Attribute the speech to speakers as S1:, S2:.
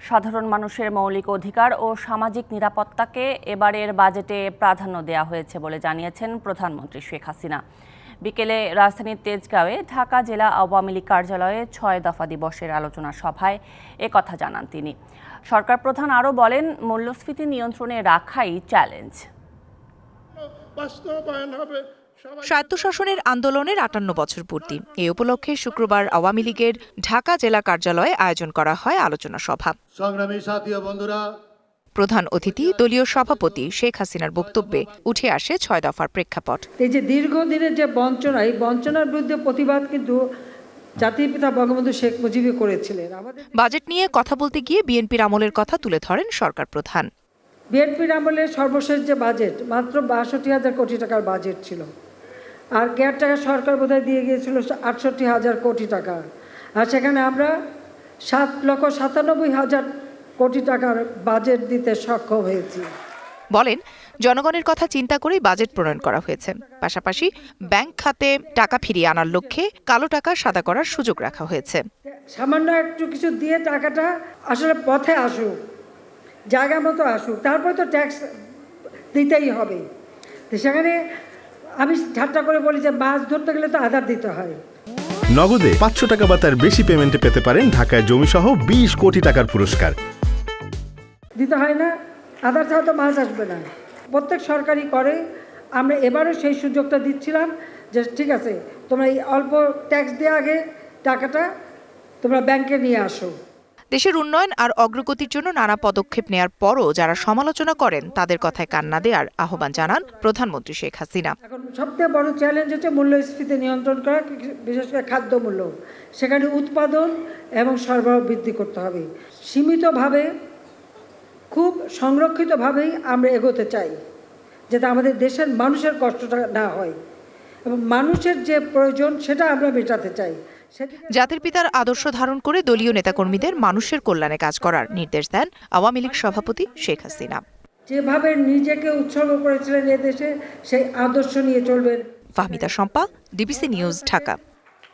S1: সাধারণ মানুষের মৌলিক অধিকার ও সামাজিক নিরাপত্তাকে এবারের বাজেটে প্রাধান্য দেওয়া হয়েছে বলে জানিয়েছেন প্রধানমন্ত্রী শেখ হাসিনা। বিকেলে রাজধানীর তেজগাঁওয়ে ঢাকা জেলা আওয়ামী লীগ কার্যালয়ে ৬ দফা দিবসের আলোচনা সভায় একথা জানান তিনি। সরকার প্রধান আরও বলেন, মূল্যস্ফীতি নিয়ন্ত্রণে রাখাই চ্যালেঞ্জ।
S2: স্বায়ত্তশাসনের আন্দোলনের ৫৮ বছর পূর্তি। এ উপলক্ষে শুক্রবার আওয়ামী লীগের ঢাকা জেলা কার্যালয়ে আয়োজন করা হয় আলোচনা সভা।
S3: সংগ্রামী সাথী ও বন্ধুরা,
S2: প্রধান অতিথি দলীয় সভাপতি শেখ হাসিনার বক্তব্যে উঠে আসে ৬ দফার প্রেক্ষাপট।
S4: এই যে দীর্ঘদিনের যে বঞ্চনা, এই বঞ্চনার বিরুদ্ধে প্রতিবাদ কিন্তু জাতির পিতা বঙ্গবন্ধু শেখ মুজিবই করেছিলেন।
S2: বাজেট নিয়ে কথা বলতে গিয়ে বিএনপির আমলের কথা তুলে ধরেন সরকার প্রধান।
S4: বিএনপির আমলের সর্বশেষ যে বাজেট মাত্র ৬২,০০০ কোটি টাকার বাজেট ছিল, আর কেয়ারটেকার সরকার বোধহয় দিয়ে গিয়েছিল ৬৮,০০০ কোটি টাকা, আর সেখানে আমরা ৭,৯৭,০০০ কোটি টাকার বাজেট দিতে সক্ষম হয়েছি।
S2: বলেন, জনগণের কথা চিন্তা করেই বাজেট প্রণয়ন করা হয়েছে। পাশাপাশি ব্যাংক খাতে টাকা ফিরিয়ে আনার লক্ষ্যে কালো টাকা সাদা করার সুযোগ রাখা হয়েছে।
S4: সামান্য একটু কিছু দিয়ে টাকাটা আসলে পথে আসুক, জায়গা মতো আসুক, তারপরে তো ট্যাক্স দিতেই হবে। তো সেখানে আমি ঠাট্টা করে বলি যে মাছ ধরতে গেলে তো আধার দিতে হয়।
S5: নগদে ৫০০ টাকা বা তার বেশি পেমেন্টে পেতে পারেন ঢাকায় জমিসহ ২০ কোটি টাকার পুরস্কার।
S4: দিতে হয় না, আধার ছাড়া তো মাছ আসবে না। প্রত্যেক সরকারি করে আমরা এবারও সেই সুযোগটা দিচ্ছিলাম যে ঠিক আছে, তোমরা এই অল্প ট্যাক্স দিয়ে আগে টাকাটা তোমরা ব্যাংকে নিয়ে আসো।
S2: দেশের উন্নয়ন আর অগ্রগতির জন্য নানা পদক্ষেপ নেয়ার পরও যারা সমালোচনা করেন তাদের কথায় কান না দেওয়ার আহ্বান জানান প্রধানমন্ত্রী শেখ হাসিনা।
S4: এখন সবথেকে বড় চ্যালেঞ্জ হচ্ছে মূল্যস্ফীতি নিয়ন্ত্রণ করা, বিশেষ করে খাদ্যমূল্য। সেখানে উৎপাদন এবং সরবরাহ বৃদ্ধি করতে হবে। সীমিতভাবে, খুব সংরক্ষিতভাবেই আমরা এগোতে চাই, যাতে আমাদের দেশের মানুষের কষ্টটা না হয় এবং মানুষের যে প্রয়োজন সেটা আমরা মেটাতে চাই।
S2: জাতির পিতার আদর্শ ধারণ করে দলীয় নেতাকর্মীদের মানুষের কল্যাণে কাজ করার নির্দেশ দেন আওয়ামী লীগ সভাপতি শেখ হাসিনা।
S4: যেভাবে নিজেকে উৎসর্গ করেছিলেন এদেশে, সেই আদর্শ নিয়ে চলবেন।
S2: Fahmida Shampa, DBC news, Dhaka.